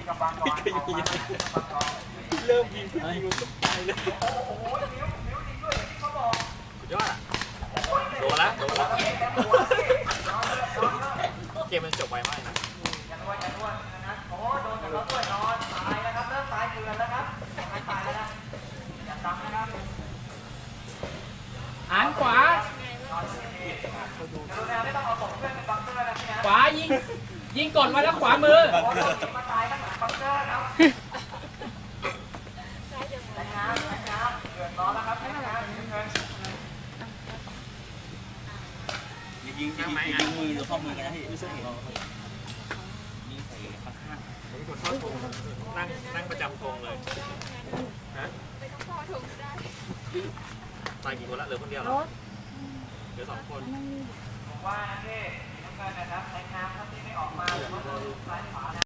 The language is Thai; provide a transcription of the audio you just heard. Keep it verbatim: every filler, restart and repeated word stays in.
กำบังก่อนออกมาเริ่มยิงยิงก็ไปเลยโอ้โหนิ้วนิ้วจริงด้วยอย่างที่เขาบอกสุดยอดอ่ะโดนแล้วโดนแล้วเกมมันจบไวมากนะอย่านวดอย่านวดนะโอ้โดนกันแล้วด้วยนอนตายแล้วครับเริ่มตายเกลือนแล้วครับตายแล้วนะอย่าซ้ำนะครับหันขวาขวายิงยิงกดมาแล้วขวามือมาตายข้างหลังบังเกอร์ครับน้ำน้ำเดือดร้อนแล้วครับน้ำยิงยิงยิงยิงมือหรือข้อมือกันนะพี่ไม่ใช่เรายิงใส่ข้างข้างผมกดเข้าธงนั่งนั่งประจำธงเลยฮะตายกี่คนละเหลือคนเดียวเหรอเหลือสองคนผมว่านะพี่น้ำเงินนะครับในน้ำถ้าที่ไม่ออกมาหรือว่าซ้ายขวา